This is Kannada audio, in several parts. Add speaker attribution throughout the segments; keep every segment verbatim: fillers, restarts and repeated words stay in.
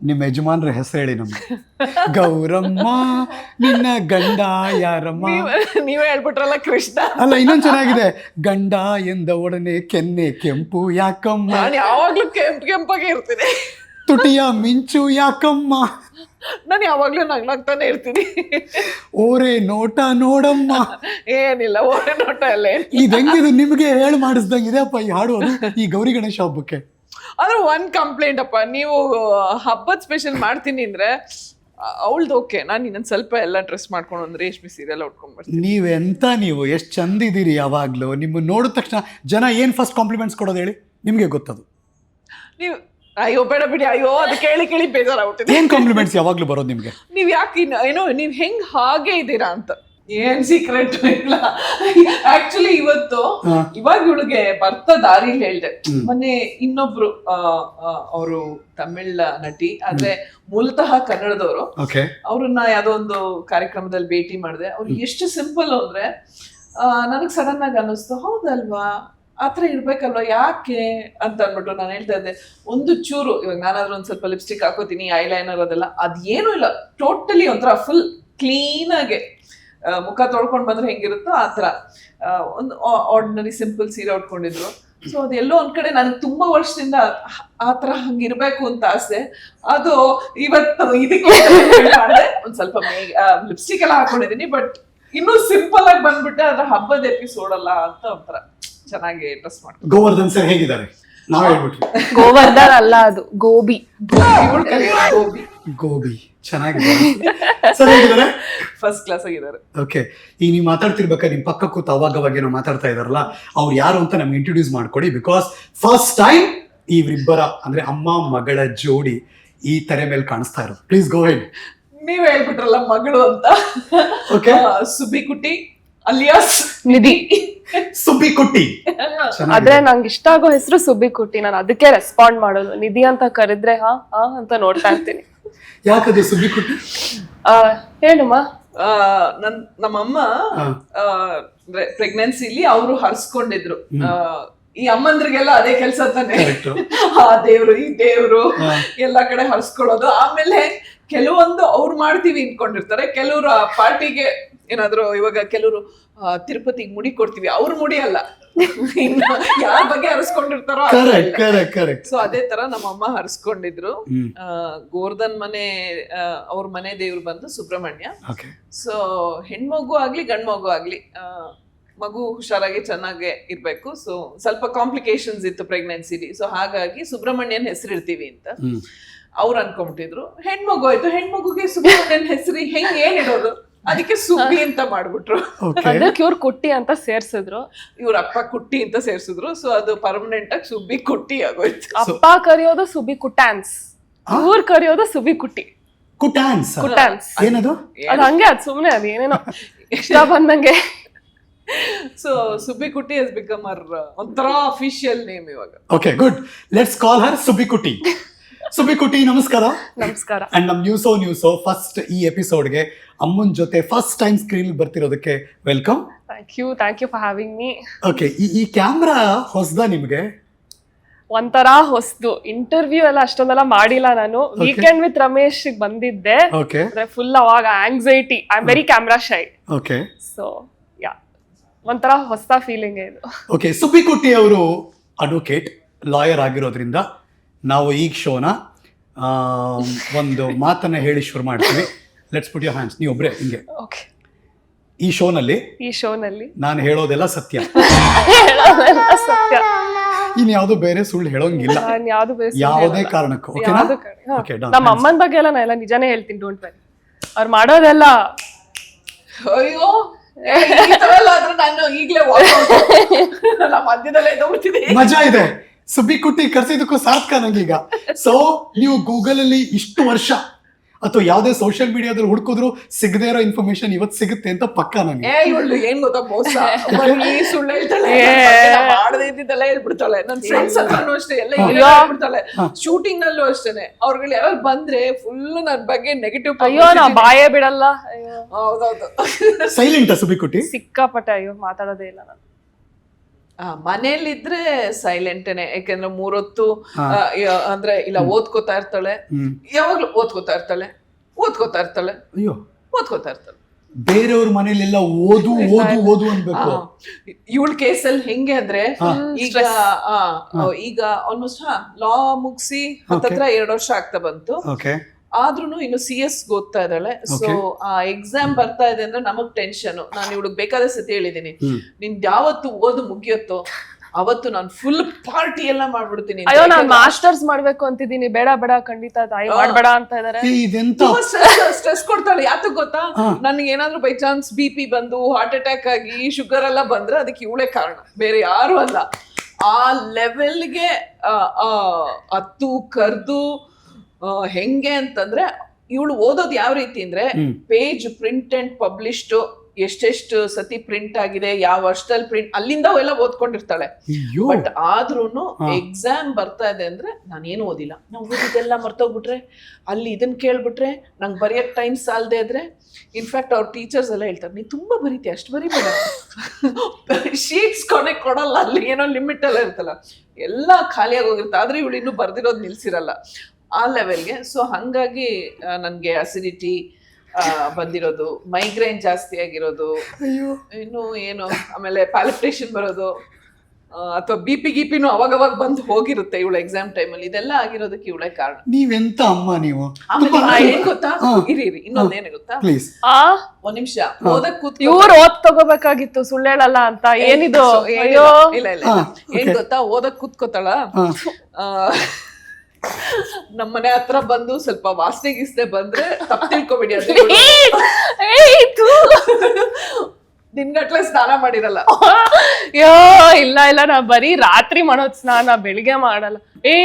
Speaker 1: ನಿಮ್ಮ ಯಜಮಾನ್ರ ಹೆಸರು ಹೇಳಿ ನಮ್ಗೆ. ಗೌರಮ್ಮ ನಿನ್ನ ಗಂಡ ಯಾರಮ್ಮ.
Speaker 2: ನೀವೇ ಹೇಳ್ಬಿಟ್ರಲ್ಲ ಕೃಷ್ಣ.
Speaker 1: ಅಲ್ಲ ಇನ್ನೊಂದು ಚೆನ್ನಾಗಿದೆ, ಗಂಡ ಎಂದ ಒಡನೆ ಕೆನ್ನೆ ಕೆಂಪು ಯಾಕಮ್ಮ,
Speaker 2: ನಾನು ಯಾವಾಗ್ಲೂ ಕೆಂಪ್ ಕೆಂಪಾಗೆ ಇರ್ತೀನಿ.
Speaker 1: ತುಟಿಯ ಮಿಂಚು ಯಾಕಮ್ಮ,
Speaker 2: ನಾನು ಯಾವಾಗ್ಲೂ ನಗ್ನಾಗ್ತಾನೆ ಇರ್ತೀನಿ.
Speaker 1: ಓರೆ ನೋಟ ನೋಡಮ್ಮ.
Speaker 2: ಏನಿಲ್ಲ, ಓರೆ ನೋಟ ಎಲ್ಲ ಏನಿಲ್ಲ.
Speaker 1: ಇದು ಹೆಂಗಿದು ನಿಮ್ಗೆ ಹೇಳಿ ಮಾಡಿಸ್ದಂಗಿದೆ ಅಪ್ಪ ಈ ಹಾಡು ಅದು ಈ ಗೌರಿ ಗಣೇಶ ಹಬ್ಬಕ್ಕೆ.
Speaker 2: ಆದ್ರೆ ಒಂದ್ ಕಂಪ್ಲೇಂಟ್ ಅಪ್ಪ, ನೀವು ಹಬ್ಬದ ಸ್ಪೆಷಲ್ ಮಾಡ್ತೀನಿ ಅಂದ್ರೆ ಅವಳ್ದು ಓಕೆ, ನಾನು ಇನ್ನೊಂದ್ ಸ್ವಲ್ಪ ಎಲ್ಲ ಡ್ರೆಸ್ ಮಾಡ್ಕೊಂಡು ಒಂದು ರೇಷ್ಮೆ ಸೀರೆಲ್ಲ ಉಟ್ಕೊಂಡ್ ಬರ್ತೀನಿ.
Speaker 1: ನೀವೆಂತ ನೀವು ಎಷ್ಟು ಚಂದ ಇದೀರಿ ಯಾವಾಗ್ಲೂ. ನಿಮ್ಮ ನೋಡಿದ ತಕ್ಷಣ ಜನ ಏನ್ ಫಸ್ಟ್ ಕಾಂಪ್ಲಿಮೆಂಟ್ಸ್ ಕೊಡೋದು ಹೇಳಿ, ನಿಮ್ಗೆ ಗೊತ್ತದು.
Speaker 2: ನೀವು ಅಯ್ಯೋ ಬೇಡ ಬಿಡಿ, ಅಯ್ಯೋ ಅದು ಕೇಳಿ ಕೇಳಿ ಬೇಜಾರಾಗ್ಬಿಟ್ಟಿದೆ.
Speaker 1: ಏನ್ ಕಾಂಪ್ಲಿಮೆಂಟ್ಸ್ ಯಾವಾಗ್ಲೂ ಬರೋದು ನಿಮ್ಗೆ?
Speaker 2: ನೀವ್ ಯಾಕೆ ಇನ್ನು ಏನೋ ನೀವ್ ಹೆಂಗ್ ಹಾಗೆ ಇದ್ದೀರಾ ಅಂತ. ಏನ್ ಸೀಕ್ರೆಟ್ ಇಲ್ಲ ಆಕ್ಚುಲಿ. ಇವತ್ತು ಇವಾಗ ಇವಳಿಗೆ ಬರ್ತ ದಾರಿಲಿ ಹೇಳ್ದೆ. ಮೊನ್ನೆ ಇನ್ನೊಬ್ರು ಅವರು ತಮಿಳ್ ನಟಿ, ಆದ್ರೆ ಮೂಲತಃ ಕನ್ನಡದವರು, ಅವ್ರನ್ನ ಯಾವ್ದೋ ಒಂದು ಕಾರ್ಯಕ್ರಮದಲ್ಲಿ ಭೇಟಿ ಮಾಡಿದೆ. ಅವ್ರು ಎಷ್ಟು ಸಿಂಪಲ್ ಅಂದ್ರೆ ನನಗ್ ಸಡನ್ ಆಗಿ ಅನ್ನಿಸ್ತು, ಹೌದಲ್ವಾ ಆತರ ಇರ್ಬೇಕಲ್ವಾ ಯಾಕೆ ಅಂತ ಅನ್ಬಿಟ್ಟು ನಾನು ಹೇಳ್ತಾ ಇದ್ದೆ. ಒಂದು ಚೂರು ಇವಾಗ ನಾನಾದ್ರೂ ಒಂದ್ ಸ್ವಲ್ಪ ಲಿಪ್ಸ್ಟಿಕ್ ಹಾಕೋತೀನಿ, ಐ ಲೈನರ್ ಅದೆಲ್ಲ, ಅದೇನು ಇಲ್ಲ, ಟೋಟಲಿ ಒಂಥರ ಫುಲ್ ಕ್ಲೀನ್ ಆಗಿ ಮುಖ ತೊಳ್ಕೊಂಡ್ ಬಂದ್ರೆ ಹೆಂಗಿರುತ್ತೋ ಆತರ ಒಂದು ಆರ್ಡಿನರಿ ಸಿಂಪಲ್ ಸೀರೆ ಉಟ್ಕೊಂಡಿದ್ರು. ಸೊ ಅದೆಲ್ಲೋ ಒಂದ್ ಕಡೆ ನನಗೆ ತುಂಬಾ ವರ್ಷದಿಂದ ಆತರ ಹಂಗಿರ್ಬೇಕು ಅಂತ ಆಸೆ. ಅದು ಇವತ್ತು ಇದಕ್ಕೆ ಒಂದ್ ಸ್ವಲ್ಪ ಲಿಪ್ಸ್ಟಿಕ್ ಎಲ್ಲ ಹಾಕೊಂಡಿದೀನಿ, ಬಟ್ ಇನ್ನೂ ಸಿಂಪಲ್ ಆಗಿ ಬಂದ್ಬಿಟ್ಟೆ. ಅದ್ರ ಹಬ್ಬದ ಎಪಿಸೋಡ್ ಅಲ್ಲ ಅಂತ ಒಂಥರ ಚೆನ್ನಾಗಿ ಡ್ರೆಸ್ ಮಾಡ್ತಾರೆ.
Speaker 1: ಗೋವರ್ಧನ್ ಸರ್ ಹೇಗಿದ್ದಾರೆ? ನಾವ್ ಹೇಳ್ಬಿಟ್ವಿ
Speaker 3: ಗೋವರ್ಧನ್ ಅಲ್ಲ, ಅದು ಗೋಬಿ.
Speaker 2: ಗೋಬಿ
Speaker 1: ಗೋಬಿ ಚೆನ್ನಾಗಿದೆ. ಸರ್ ಹೇಗಿದ್ದಾರೆ?
Speaker 2: ಫಸ್ಟ್ ಕ್ಲಾಸ್ ಆಗಿದ್ದಾರೆ.
Speaker 1: ಓಕೆ, ಈಗ ನೀವು ಮಾತಾಡ್ತಿರ್ಬೇಕಾದ್ರೆ ನಿಮ್ ಪಕ್ಕ ಕೂತು ಅವಾಗ ಅವಾಗ ಏನೋ ಮಾತಾಡ್ತಾ ಇದಾರಲ್ಲ, ಅವ್ರು ಯಾರು ಅಂತ ನಮ್ಗೆ ಇಂಟ್ರೊಡ್ಯೂಸ್ ಮಾಡ್ಕೊಡಿ. ಬಿಕಾಸ್ ಫಸ್ಟ್ ಟೈಮ್ ಇವರಿಬ್ಬರ ಅಂದ್ರೆ ಅಮ್ಮ ಮಗಳ ಜೋಡಿ ಈ ತೆರೆ ಮೇಲೆ ಕಾಣಿಸ್ತಾ ಇರೋದು. Please go head.
Speaker 2: ನೀವ್ ಹೇಳ್ಬಿಟ್ರಲ್ಲ ಮಗಳು ಅಂತ.
Speaker 1: ಓಕೆ,
Speaker 2: ಸುಬ್ಬಿಕುಟ್ಟಿ ಅಲಿಯಾಸ್
Speaker 3: ನಿಧಿ.
Speaker 1: ಸುಬ್ಬಿಕುಟ್ಟಿ
Speaker 3: ಆದ್ರೆ ನಂಗೆ ಇಷ್ಟ ಆಗೋ ಹೆಸರು ಸುಬ್ಬಿಕುಟ್ಟಿ. ನಾನು ಅದಕ್ಕೆ ರೆಸ್ಪಾಂಡ್ ಮಾಡೋದು. ನಿಧಿ ಅಂತ ಕರೆದ್ರೆ ಹಾ ಹಾ ಅಂತ ನೋಡ್ತಾ ಇರ್ತೀನಿ.
Speaker 1: ಯಾಕದು ಸುಬ್ಬಿಕುಟ್ಟಿ?
Speaker 3: ಆ ಹೇಳುಮ್ಮ.
Speaker 2: ನನ್ ನಮ್ಮಮ್ಮ ಪ್ರೆಗ್ನೆನ್ಸಿಲಿ ಅವರು ಹರ್ಸ್ಕೊಂಡಿದ್ರು. ಈ ಅಮ್ಮಂದ್ರಿಗೆಲ್ಲ ಅದೇ ಕೆಲ್ಸ ತಾನೆ, ಆ ದೇವ್ರು ಈ ದೇವ್ರು ಎಲ್ಲಾ ಕಡೆ ಹರ್ಸ್ಕೊಳ್ಳೋದು. ಆಮೇಲೆ ಕೆಲವೊಂದು ಅವ್ರು ಮಾಡ್ತೀವಿ ಇನ್ಕೊಂಡಿರ್ತಾರೆ, ಕೆಲವರು ಆ ಪಾರ್ಟಿಗೆ ಏನಾದ್ರು, ಇವಾಗ ಕೆಲವರು ತಿರುಪತಿಗೆ ಮುಡಿ ಕೊಡ್ತೀವಿ, ಅವ್ರ ಮುಡಿ ಅಲ್ಲ, ಇನ್ನು ಯಾರ ಬಗ್ಗೆ ಹರಿಸ್ಕೊಂಡಿರ್ತಾರೋ. ಸೊ ಅದೇ ತರ ನಮ್ಮಮ್ಮ ಹರಿಸ್ಕೊಂಡಿದ್ರು. ಗೋವರ್ಧನ್ ಮನೆ ಅವ್ರ ಮನೆ ದೇವ್ರು ಬಂದು ಸುಬ್ರಹ್ಮಣ್ಯ. ಸೊ ಹೆಣ್ಮಗು ಆಗ್ಲಿ ಗಂಡ್ ಮಗು ಆಗ್ಲಿ ಮಗು ಹುಷಾರಾಗಿ ಚೆನ್ನಾಗಿ ಇರ್ಬೇಕು. ಸೊ ಸ್ವಲ್ಪ ಕಾಂಪ್ಲಿಕೇಶನ್ಸ್ ಇತ್ತು ಪ್ರೆಗ್ನೆನ್ಸಿಲಿ. ಸೊ ಹಾಗಾಗಿ ಸುಬ್ರಹ್ಮಣ್ಯನ್ ಹೆಸರಿಡ್ತೀವಿ ಅಂತ ಅವ್ರು ಅನ್ಕೊಂಬಿಟ್ಟಿದ್ರು. ಹೆಣ್ಮಗು ಆಯ್ತು, ಹೆಣ್ಮಗುಗೆ ಸುಬ್ರಹ್ಮಣ್ಯನ್ ಹೆಸರು ಹೆಂಗ್ ಏನ್ ಇಡೋದು, ಅದಕ್ಕೆ ಸುಬ್ಬಿ ಅಂತ ಮಾಡ್ಬಿಟ್ರು.
Speaker 3: ಅದಕ್ಕೆ ಇವ್ರು ಕುಟ್ಟಿ ಅಂತ ಸೇರ್ಸಿದ್ರು,
Speaker 2: ಇವ್ರ ಅಪ್ಪ ಕುಟ್ಟಿ ಅಂತ ಸೇರ್ಸಿದ್ರು. ಸೊ ಅದು ಪರ್ಮನೆಂಟ್ ಆಗಿ ಸುಬ್ಬಿ ಕುಟ್ಟಿ ಆಗೋಯ್ತು.
Speaker 3: ಅಪ್ಪ ಕರೆಯೋದು ಸುಬ್ಬಿ ಕುಟ್ಟಾನ್ಸ್, ಇವ್ರು ಕರೆಯೋದು ಸುಬ್ಬಿ ಕುಟ್ಟಿ
Speaker 1: ಕುಟ್ಟಾನ್ಸ್.
Speaker 3: ಕುಟ್ಟಾನ್ಸ್
Speaker 1: ಏನದು?
Speaker 3: ಅದು ಹಂಗೆ, ಅದು ಸುಮ್ನೆ ಅದು ಏನೇನೋ ಇಷ್ಟ ಬಂದಂಗೆ.
Speaker 2: So Subbi Kutti has become ಅವರ್ ಒಂಥರ ಅಫಿಷಿಯಲ್ ನೇಮ್ ಇವಾಗ.
Speaker 1: Okay good, let's call her Subbi Kutti. Subbi Kutti ನಮಸ್ಕಾರ.
Speaker 3: ನಮಸ್ಕಾರ.
Speaker 1: ಅಂಡ್ ನಮ್ ನ್ಯೂಸೋ ನ್ಯೂಸೋ ಫಸ್ಟ್ ಈ ಎಪಿಸೋಡ್ಗೆ ಅಮ್ಮನ್ ಜೊತೆ ಫಸ್ಟ್ ಟೈಮ್ ಸ್ಕ್ರೀನ್ ಬರ್ತಿರೋದಕ್ಕೆ welcome.
Speaker 3: Thank you thank you for having me.
Speaker 1: Okay, ಈ ಈ ಕ್ಯಾಮ್ರಾ ಹೊಸದಾ ನಿಮ್ಗೆ?
Speaker 3: ಒಂಥರ ಹೊಸದು. ಇಂಟರ್ವ್ಯೂ ಎಲ್ಲ ಅಷ್ಟೊಂದೆಲ್ಲ ಮಾಡಿಲ್ಲ ನಾನು. ವೀಕೆಂಡ್ ವಿತ್ ರಮೇಶ್ ಬಂದಿದ್ದೆ.
Speaker 1: ಓಕೆ,
Speaker 3: ಫುಲ್ ಅವಾಗ anxiety, I am very camera shy.
Speaker 1: Okay,
Speaker 3: so yeah ಒಂಥರ ಹೊಸ ಫೀಲಿಂಗ್ ಇದು.
Speaker 1: ಓಕೆ, ಸುಬ್ಬಿ ಕುಟ್ಟಿ ಅವರು ಅಡ್ವೊಕೇಟ್, ಲಾಯರ್ ಆಗಿರೋದ್ರಿಂದ ನಾವು ಈಗ ಶೋನ ಒಂದು ಮಾತನ್ನ ಹೇಳಿ ಶುರು ಮಾಡ್ತೀವಿ. Let's put your hands. ನೀವು ಒಬ್ರೆ ಹಿಂಗೆ.
Speaker 3: ಓಕೆ,
Speaker 1: ಈ ಶೋನಲ್ಲಿ
Speaker 3: ಈ ಶೋನಲ್ಲಿ
Speaker 1: ನಾನು ಹೇಳೋದೆಲ್ಲ ಸತ್ಯ,
Speaker 3: ಹೇಳೋದೆಲ್ಲ ಸತ್ಯ.
Speaker 1: ಇನ್ ಯಾವ್ದು ಬೇರೆ ಸುಳ್ಳು ಹೇಳೋಂಗಿಲ್ಲ
Speaker 3: ನಾನು ಯಾವ್ದು ಬೇರೆ
Speaker 1: ಯಾವುದೇ ಕಾರಣಕ್ಕೂ.
Speaker 3: ಯಾವ್ದು ಕಡೆ ನಮ್ಮ ಅಮ್ಮನ ಬಗ್ಗೆ ಎಲ್ಲ ನಾನು ಎಲ್ಲ ನಿಜಾನೇ ಹೇಳ್ತೀನಿ. Don't worry. ಅವ್ರು ಮಾಡೋದೆಲ್ಲ
Speaker 2: ಅಯ್ಯೋ ನಾನು ಈಗಲೇ ಮಧ್ಯದಲ್ಲೇ ಎದ್ದೋಗ್ಬಿಟ್ಟಿದೆ.
Speaker 1: ಮಜಾ ಇದೆ. ಸುಬ್ಬಿ ಕುಟ್ಟಿ ಕರ್ಸಿದಕ್ಕೂ ಸಾರ್ಥಕ ನಂಗೀಗ. ಸೊ ನೀವು ಗೂಗಲ್ ಅಲ್ಲಿ ಇಷ್ಟು ವರ್ಷ ಅಥವಾ ಯಾವ್ದೇ ಸೋಷಿಯಲ್ ಮೀಡಿಯಾದಲ್ಲಿ ಹುಡುಕಿದ್ರು ಸಿಗದೇ ಇರೋ ಇನ್ಫಾರ್ಮೇಶನ್ ಇವತ್ತು ಸಿಗುತ್ತೆ ಅಂತ ಪಕ್ಕ ನಂಗೆ.
Speaker 2: ಏನ್ ಗೊತ್ತಾ, ಮೋಸ ಸುಳ್ಳು ಹೇಳ್ತಾಳೆ, ಮಾಡದೇ ಇದ್ದಿದ್ದೆಲ್ಲ ಹೇಳ್ಬಿಡ್ತಾಳೆ. ನನ್ ಫ್ರೆಂಡ್ಸ್ ಹತ್ರನೂ ಅಷ್ಟೇ ಎಲ್ಲ ಹೇಳ್ಬಿಡ್ತಾಳೆ. ಶೂಟಿಂಗ್ ನಲ್ಲೂ ಅಷ್ಟೇನೆ ಅವ್ರುಗಳು ಯಾರು ಬಂದ್ರೆ ಫುಲ್ ನನ್ ಬಗ್ಗೆ ನೆಗೆಟಿವ್.
Speaker 3: ಅಯ್ಯೋ ನಾ ಬಾಯೇ ಬಿಡಲ್ಲ.
Speaker 2: ಹೌದೌದು.
Speaker 1: ಸೈಲೆಂಟ್ ಸುಬ್ಬಿ ಕುಟ್ಟಿ
Speaker 3: ಸಿಕ್ಕಾಪಟ್ಟೆ. ಅಯ್ಯೋ ಮಾತಾಡೋದೇ ಇಲ್ಲ ನಾನು.
Speaker 2: ಆ ಮನೇಲಿದ್ರೆ ಸೈಲೆಂಟೇನೆ, ಯಾಕಂದ್ರೆ ಮೂರೊತ್ತು ಆ, ಯ- ಅಂದ್ರೆ ಇಲ್ಲ ಓದ್ಕೋತಾ ಇರ್ತಾಳೆ, ಯಾವಾಗ್ಲೂ ಓದ್ಕೋತಾ ಇರ್ತಾಳೆ ಓದ್ಕೋತಾ ಇರ್ತಾಳೆ
Speaker 1: ಅಯ್ಯೋ,
Speaker 2: ಓದ್ಕೋತಾ ಇರ್ತಾಳೆ.
Speaker 1: ಬೇರೆಯವ್ರ ಮನೇಲೆಲ್ಲ ಓದು ಓದು ಓದು ಅನ್ಬೇಕು.
Speaker 2: ಇವಳ ಕೇಸಲ್ಲಿ ಹೆಂಗೆ ಅಂದ್ರೆ ಈಗ ಆ, ಈಗ ಆಲ್ಮೋಸ್ಟ್ ಹಾ ಲಾ ಮುಗಿಸಿ ಹತ್ತತ್ರ ಎರಡು ವರ್ಷ ಆಗ್ತಾ ಬಂತು.
Speaker 1: ಓಕೆ,
Speaker 2: ಆದ್ರೂನು ಇನ್ನು ಸಿ ಎಸ್ ಓದ್ತಾ ಇದ್ದಾಳೆ. ಸೊ ಆ ಎಕ್ಸಾಮ್ ಬರ್ತಾ ಇದೆ ಅಂದ್ರೆ ನಮಗ್ ಟೆನ್ಷನ್. ನಾನು ಇವಳಿಗೆ ಬೇಕಾದ ಸತಿ ಹೇಳಿದೀನಿ, ನಿನ್ ಯಾವತ್ತು ಓದು ಮುಗಿಯುತ್ತೋ ಅವತ್ತು ನಾನು ಫುಲ್ ಪಾರ್ಟಿ ಎಲ್ಲ ಮಾಡ್ಬಿಡ್ತೀನಿ.
Speaker 3: ಅಯ್ಯೋ ನಾನ್ ಮಾಸ್ಟರ್ಸ್ ಮಾಡ್ಬೇಕು ಅಂತಿದ್ದೀನಿ, ಬೇಡ ಬೇಡ ಖಂಡಿತ ತಾಯಿ ಮಾಡ್ಬೇಡ ಅಂತ ಇದಾರೆ.
Speaker 1: ಇದೆಂತ
Speaker 2: ಸ್ಟ್ರೆಸ್ ಕೊಡ್ತಾಳೆ. ಯಾತಕ್ ಗೊತ್ತಾ, ನನ್ಗೆ ಏನಾದ್ರು ಬೈ ಚಾನ್ಸ್ ಬಿ ಪಿ ಬಂದು ಹಾರ್ಟ್ ಅಟ್ಯಾಕ್ ಆಗಿ ಶುಗರ್ ಎಲ್ಲ ಬಂದ್ರೆ ಅದಕ್ಕೆ ಇವಳೇ ಕಾರಣ, ಬೇರೆ ಯಾರು ಅಲ್ಲ. ಆ ಲೆವೆಲ್ಗೆ ಹತ್ತು ಕರ್ದು ಹೆಂಗೆ ಅಂತಂದ್ರೆ ಇವಳು ಓದೋದು ಯಾವ ರೀತಿ ಅಂದ್ರೆ ಪೇಜ್ ಪ್ರಿಂಟ್ ಅಂಡ್ ಪಬ್ಲಿಷ್ಡ್, ಎಷ್ಟೆಷ್ಟು ಸತಿ ಪ್ರಿಂಟ್ ಆಗಿದೆ, ಯಾವ ವರ್ಷದಲ್ಲಿ ಪ್ರಿಂಟ್, ಅಲ್ಲಿಂದ ಅವೆಲ್ಲ ಓದ್ಕೊಂಡಿರ್ತಾಳೆ. ಬಟ್ ಆದ್ರೂನು ಎಕ್ಸಾಮ್ ಬರ್ತಾ ಇದೆ ಅಂದ್ರೆ ನಾನೇನು ಓದಿಲ್ಲ, ನಾವು ಓದಿದೆಲ್ಲ ಮರ್ತೋಗ್ಬಿಟ್ರೆ, ಅಲ್ಲಿ ಇದನ್ನ ಕೇಳ್ಬಿಟ್ರೆ ನಂಗೆ ಬರೆಯಕ್ ಟೈಮ್ ಸಾಲದೆ ಇದ್ರೆ, ಇನ್ಫ್ಯಾಕ್ಟ್ ಅವ್ರ ಟೀಚರ್ಸ್ ಎಲ್ಲ ಹೇಳ್ತಾರೆ, ನೀ ತುಂಬಾ ಬರೀತಿ, ಅಷ್ಟು ಬರೀಬೇಡ, ಶೀಟ್ಸ್ ಕೊನೆ ಕೊಡಲ್ಲ, ಅಲ್ಲಿ ಏನೋ ಲಿಮಿಟ್ ಎಲ್ಲ ಇರ್ತಲ್ಲ, ಎಲ್ಲ ಖಾಲಿಯಾಗಿ ಹೋಗಿರುತ್ತೆ. ಆದ್ರೆ ಇವಳು ಇನ್ನೂ ಬರ್ದಿರೋದು ನಿಲ್ಸಿರಲ್ಲ ಆ ಲೆವೆಲ್ಗೆ. ಸೊ ಹಂಗಾಗಿ ನನ್ಗೆ ಅಸಿಡಿಟಿ ಬಂದಿರೋದು, ಮೈಗ್ರೇನ್ ಜಾಸ್ತಿ ಆಗಿರೋದು, ಇನ್ನು ಏನು ಆಮೇಲೆ ಪ್ಯಾಲಿಪಿಟೇಷನ್ ಬರೋದು, ಅಥವಾ ಬಿ ಪಿ ಗಿಪಿನೂ ಅವಾಗವಾಗ ಬಂದು ಹೋಗಿರುತ್ತೆ ಇವಳ ಎಕ್ಸಾಮ್ ಟೈಮಲ್ಲಿ. ಇದೆಲ್ಲ ಆಗಿರೋದಕ್ಕೆ ಇವಳೇ ಕಾರಣ.
Speaker 1: ನೀವೆಂತ ಅಮ್ಮ ನೀವು.
Speaker 2: ಆಮೇಲೆ ಏನ್ ಗೊತ್ತಾ, ಇರಿ ಇರಿ ಇನ್ನೊಂದೇನು ಗೊತ್ತಾ,
Speaker 1: ಪ್ಲೀಸ್
Speaker 2: ಒಂದ್ ನಿಮಿಷ ಓದಕ್ ಕೂತ್
Speaker 3: ಇವ್ರು ಓದ್ ತಗೋಬೇಕಾಗಿತ್ತು, ಸುಳ್ಳೇಳಲ್ಲ ಅಂತ. ಏನಿದು? ಅಯ್ಯೋ
Speaker 2: ಇಲ್ಲ ಇಲ್ಲ ಏನ್ ಗೊತ್ತಾ, ಓದಕ್ ಕೂತ್ಕೋತಾಳ, ನಮ್ಮನೆ ಹತ್ರ ಬಂದು ಸ್ವಲ್ಪ ವಾಸನೆ ಗೀಸನೆ ಬಂದ್ರೆ ತಪ್ಪು ತಿಳ್ಕೊಬೇಡಿ, ಅದು ದಿನಗಟ್ಲೆ ಸ್ನಾನ ಮಾಡಿರಲ್ಲ.
Speaker 3: ಅಯ್ಯೋ ಇಲ್ಲ ಇಲ್ಲ, ನಾ ಬರೀ ರಾತ್ರಿ ಮಾಡೋದ್ ಸ್ನಾನ, ಬೆಳಿಗ್ಗೆ ಮಾಡಲ್ಲ. ಏ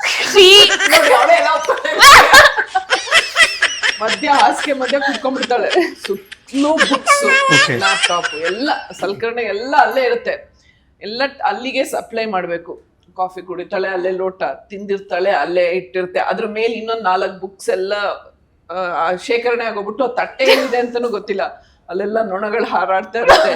Speaker 2: ಮಧ್ಯ ಹಾಸಿಗೆ ಮಧ್ಯ ಕುತ್ಕೊಂಡ್ಬಿಡ್ತಾಳೆ, ಸುತ್ತಲೂ ಬುಕ್ಸ್, ಲ್ಯಾಪ್ಟಾಪ್ ಎಲ್ಲ ಸಲಕರಣೆ ಎಲ್ಲ ಅಲ್ಲೇ ಇರುತ್ತೆ, ಎಲ್ಲ ಅಲ್ಲಿಗೆ ಸಪ್ಲೈ ಮಾಡ್ಬೇಕು. ಕಾಫಿ ಕುಡಿತಾಳೆ ಅಲ್ಲೇ, ಲೋಟ ತಿಂದಿರ್ತಾಳೆ ಅಲ್ಲೇ ಇಟ್ಟಿರುತ್ತೆ, ಅದ್ರ ಮೇಲೆ ಇನ್ನೊಂದ್ ನಾಲ್ಕು ಬುಕ್ಸ್ ಎಲ್ಲ ಶೇಖರಣೆ ಆಗೋಗ್ಬಿಟ್ಟು ತಟ್ಟೆ ಏನಿದೆ ಅಂತಾನು ಗೊತ್ತಿಲ್ಲ, ಅಲ್ಲೆಲ್ಲ ನೊಣಗಳು ಹಾರಾಡ್ತಾ ಇರುತ್ತೆ.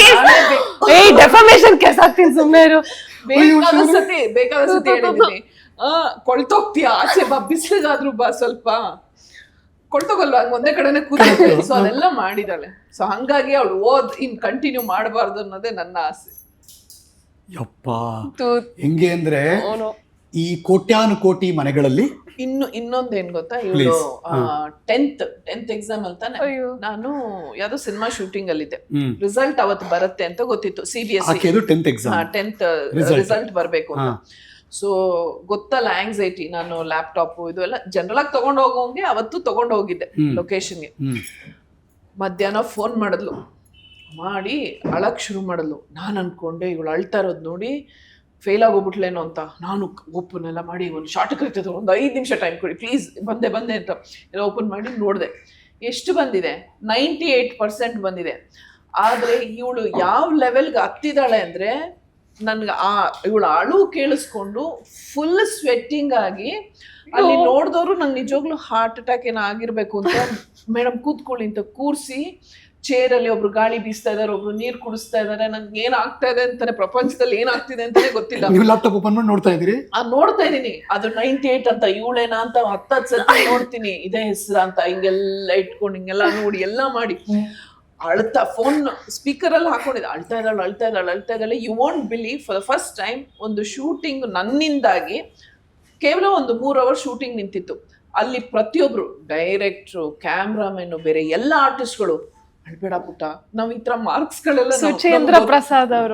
Speaker 3: ಡೆಫಾಮೇಶನ್ ಕೇಸ್ ಆಗ್ತೀನಿ, ಸುಮ್ಮನೆ ಇರು.
Speaker 2: ಬೇಕಾದ ಸತಿ ಬೇಕಾದ ಸತಿ ಹೇಳಿದೀನಿ, ಆ ಕೊಳ್ತೋಗ್ತೀಯ, ಆಚೆ ಬಾ, ಬಿಸಿಲಿಗಾದ್ರೂ ಬಾ, ಸ್ವಲ್ಪ ಕೊಳ್ತೋಗಲ್ವಾ, ಹಂಗ ಒಂದೇ ಕಡೆನೆ ಕೂತ್ಕೊಳ್ಳಿ. ಸೊ ಅದೆಲ್ಲ ಮಾಡಿದಾಳೆ. ಸೊ ಹಂಗಾಗಿ ಅವಳು ಓದ್ ಇನ್ ಕಂಟಿನ್ಯೂ ಮಾಡಬಾರ್ದು ಅನ್ನೋದೇ ನನ್ನ ಆಸೆ.
Speaker 1: ಯಪ್ಪ, ಹೆಂಗೆ ಅಂದ್ರೆ ಈ ಕೋಟ್ಯಾನು ಕೋಟಿ ಮನೆಗಳಲ್ಲಿ
Speaker 2: ಇನ್ನು ಇನ್ನೊಂದ್ ಏನ್ ಗೊತ್ತಾ, ಇವಳು ಟೆಂತ್ ಟೆಂತ್ ಎಕ್ಸಾಮ್ ಅಂತಾನೆ ನಾನು ಯಾವ್ದೋ ಸಿನಿಮಾ ಶೂಟಿಂಗ್ ಅಲ್ಲಿ ಇದ್ದೆ. ರಿಸಲ್ಟ್ ಅವತ್ತು ಬರುತ್ತೆ ಅಂತ ಗೊತ್ತಿತ್ತು, C B S
Speaker 1: tenth exam
Speaker 2: tenth result ಬರ್ಬೇಕು ಅಂತ. ಸೊ ಗೊತ್ತಲ್ಲ ಆಂಗ್ಸೈಟಿ, ನಾನು ಲ್ಯಾಪ್ಟಾಪ್ ಇದು ಎಲ್ಲ ಜನರಲ್ ಆಗಿ ತಗೊಂಡ್ ಹೋಗೋಂಗೆ ಅವತ್ತು ತಗೊಂಡ್ ಹೋಗಿದ್ದೆ ಲೊಕೇಶನ್ಗೆ. ಮಧ್ಯಾಹ್ನ ಫೋನ್ ಮಾಡಿದ್ಲು, ಮಾಡಿ ಅಳಕ್ ಶುರು ಮಾಡಿದ್ಲು. ನಾನು ಅನ್ಕೊಂಡೆ ಇವಳು ಅಳ್ತಾ ಇರೋದು ನೋಡಿ ಫೇಲ್ ಆಗೋಗ್ಬಿಟ್ಲೇನೋ ಅಂತ. ನಾನು ಓಪನ್ ಎಲ್ಲ ಮಾಡಿ ಒಂದು ಶಾರ್ಟ್ ಕರಿತದೆ, ಒಂದು ಐದು ನಿಮಿಷ ಟೈಮ್ ಕೊಡಿ ಪ್ಲೀಸ್, ಬಂದೆ ಬಂದೆ ಅಂತ ಎಲ್ಲ ಓಪನ್ ಮಾಡಿ ನೋಡಿದೆ. ಎಷ್ಟು ಬಂದಿದೆ? ನೈಂಟಿ ಏಟ್ ಪರ್ಸೆಂಟ್ ಬಂದಿದೆ. ಆದರೆ ಇವಳು ಯಾವ ಲೆವೆಲ್ಗೆ ಹತ್ತಿದಾಳೆ ಅಂದರೆ, ನನ್ಗೆ ಆ ಇವಳು ಅಳು ಕೇಳಿಸ್ಕೊಂಡು ಫುಲ್ ಸ್ವೆಟ್ಟಿಂಗ್ ಆಗಿ ಅಲ್ಲಿ ನೋಡಿದವರು ನಂಗೆ ನಿಜವಾಗ್ಲೂ ಹಾರ್ಟ್ ಅಟ್ಯಾಕ್ ಏನೋ ಆಗಿರ್ಬೇಕು ಅಂತ, ಮೇಡಮ್ ಕೂತ್ಕೊಳ್ಳಿ ಅಂತ ಕೂರಿಸಿ ಚೇರಲ್ಲಿ ಒಬ್ರು ಗಾಳಿ ಬೀಸ್ತಾ ಇದಾರೆ, ಒಬ್ರು ನೀರ್ ಕುಡಿಸ್ತಾ ಇದಾರೆ. ನನ್ಗೆ ಏನ್ ಆಗ್ತಾ ಇದೆ ಅಂತಾನೆ, ಪ್ರಪಂಚದಲ್ಲಿ ಏನ್ ಆಗ್ತಿದೆ ಅಂತಾನೆ ಗೊತ್ತಿಲ್ಲ.
Speaker 1: ನೀವು ಲ್ಯಾಪ್ಟಾಪ್ ಓಪನ್ ಮಾಡಿ ನೋಡ್ತಾ ಇದೀರಿ? ಆ
Speaker 2: ನೋಡ್ತಾ ಇದೀನಿ, ಅದು ನೈಂಟಿ ಏಟ್ ಅಂತ, ಇವಳೇನಾ ಅಂತ ಹತ್ತತ್ತು ಸತಿ ನೋಡ್ತೀನಿ, ಇದೇ ಹೆಸರು ಅಂತ, ಹಿಂಗೆಲ್ಲ ಇಟ್ಕೊಂಡು ಹಿಂಗೆಲ್ಲ ನೋಡಿ ಎಲ್ಲ ಮಾಡಿ ಅಳ್ತಾ, ಫೋನ್ ಸ್ಪೀಕರ್ ಅಲ್ಲಿ ಹಾಕೊಂಡಿದ್ದೆ, ಅಳ್ತಾ ಇದ್ದಾಳೆ ಅಳ್ತಾ ಇದ್ದಾಳೆ ಅಳ್ತಾ ಇದ್ದಾಳೆ. You want believe, for the first time ಒಂದು ಶೂಟಿಂಗ್ ನನ್ನಿಂದಾಗಿ ಕೇವಲ ಒಂದು ಮೂರ್ ಅವರ್ ಶೂಟಿಂಗ್ ನಿಂತಿತ್ತು. ಅಲ್ಲಿ ಪ್ರತಿಯೊಬ್ರು ಡೈರೆಕ್ಟ್ರು, ಕ್ಯಾಮ್ರಾಮನ್, ಬೇರೆ ಎಲ್ಲ ಆರ್ಟಿಸ್ಟ್ಗಳು, ಅಳ್ಬೇಡ ಪುಟ್ಟ, ನಾವ್ ಈ ತರ ಮಾರ್ಕ್ಸ್ ಗಳೆಲ್ಲ,
Speaker 3: ಸುಚೇಂದ್ರ ಪ್ರಸಾದ್ ಅವರು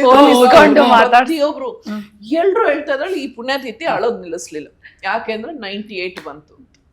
Speaker 2: ಪ್ರತಿಯೊಬ್ರು ಎಲ್ರು ಹೇಳ್ತಾ ಇದ್ದಾಳೆ. ಈ ಪುಣ್ಯಾತಿಥಿ ಅಳೋದ್ ನಿಲ್ಲಿಸ್ಲಿಲ್ಲ, ಯಾಕೆಂದ್ರೆ ನೈಂಟಿ ಏಟ್ ಬಂತು.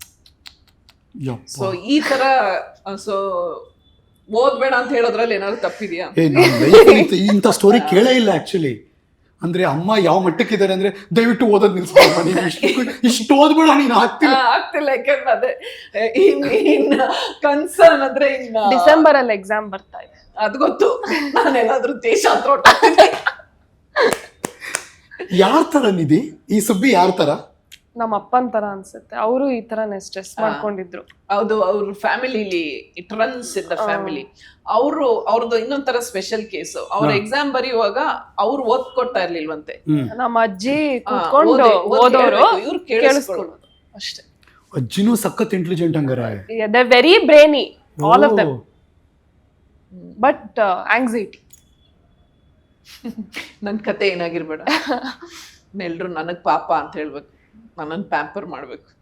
Speaker 2: ಸೊ ಈ ತರ, ಸೊ ಓದ್ಬೇಡ ಅಂತ ಹೇಳೋದ್ರಲ್ಲಿ ಏನಾದ್ರು ತಪ್ಪಿದ್ಯಾ?
Speaker 1: ಇಂಥ ಸ್ಟೋರಿ ಕೇಳೇ ಇಲ್ಲ ಆಕ್ಚುಲಿ. ಅಂದ್ರೆ ಅಮ್ಮ ಯಾವ ಮಟ್ಟಕ್ಕಿದ್ದಾರೆ ಅಂದ್ರೆ ದಯವಿಟ್ಟು ಓದೋದ್ ನಿಲ್ಸ್ಕೊಂಡು, ಇಷ್ಟು ಓದ್ಬೇಡ ನೀನು, ಆಗ್ತಿಲ್ಲ
Speaker 2: ಆಗ್ತಿಲ್ಲ. ಯಾಕಂದ್ರೆ ಅದೇ ಇನ್ನ ಕನ್ಸರ್ನ್ ಅಂದ್ರೆ ಇನ್ನ
Speaker 3: ಡಿಸೆಂಬರ್ ಅಲ್ಲಿ ಎಕ್ಸಾಮ್ ಬರ್ತಾ ಇದೆ,
Speaker 2: ಅದ್ ಗೊತ್ತು. ನಾನೆಲ್ಲಾದ್ರೂ ದೇಶಾಂತರ ಹೊರಟಾಗ್ತೀನಿ.
Speaker 1: ಯಾರ ತರ ನಿಧಿ ಈ ಸುಬ್ಬಿ? ಯಾರ ತರ?
Speaker 3: ನಮ್ಮ ಅಪ್ಪನ್ ತರ ಅನ್ಸುತ್ತೆ. ಅವರು ಈ ತರನೇ ಸ್ಟ್ರೆಸ್ ಮಾಡ್ಕೊಂಡಿದ್ರು.
Speaker 2: ಹೌದು, ಅವ್ರ ಫ್ಯಾಮಿಲಿಲಿ it runs in the family. ಅವರು ಅವ್ರದ್ದು ಇನ್ನೊಂಥರ ಸ್ಪೆಷಲ್ ಕೇಸ್. ಅವ್ರ ಎಕ್ಸಾಮ್ ಬರೆಯುವಾಗ ಅವ್ರು ಓದ್ಕೊಡ್ತಾ ಇರ್ಲಿಲ್ವಂತೆ,
Speaker 3: ನಮ್ಮ ಅಜ್ಜಿ ಕೂತ್ಕೊಂಡು ಓದೋರು,
Speaker 2: ಇವ್ರು ಕೇಳಿಸ್ಕೊಳ್ಳೋದು ಅಷ್ಟೇ.
Speaker 1: ಅಜ್ಜಿನೂ ಸಖತ್ ಇಂಟೆಲಿಜೆಂಟ್ ಹಂಗಾರೆ.
Speaker 3: They very brainy all of them, but anxiety.
Speaker 2: ನನ್ ಕತೆ ಏನಾಗಿರ್ಬೇಡ, ಎಲ್ರು ನನಗ್ ಪಾಪ ಅಂತ ಹೇಳ್ಬೇಕು, ನನ್ನನ್ ಪ್ಯಾಂಪರ್ ಮಾಡ್ಬೇಕು.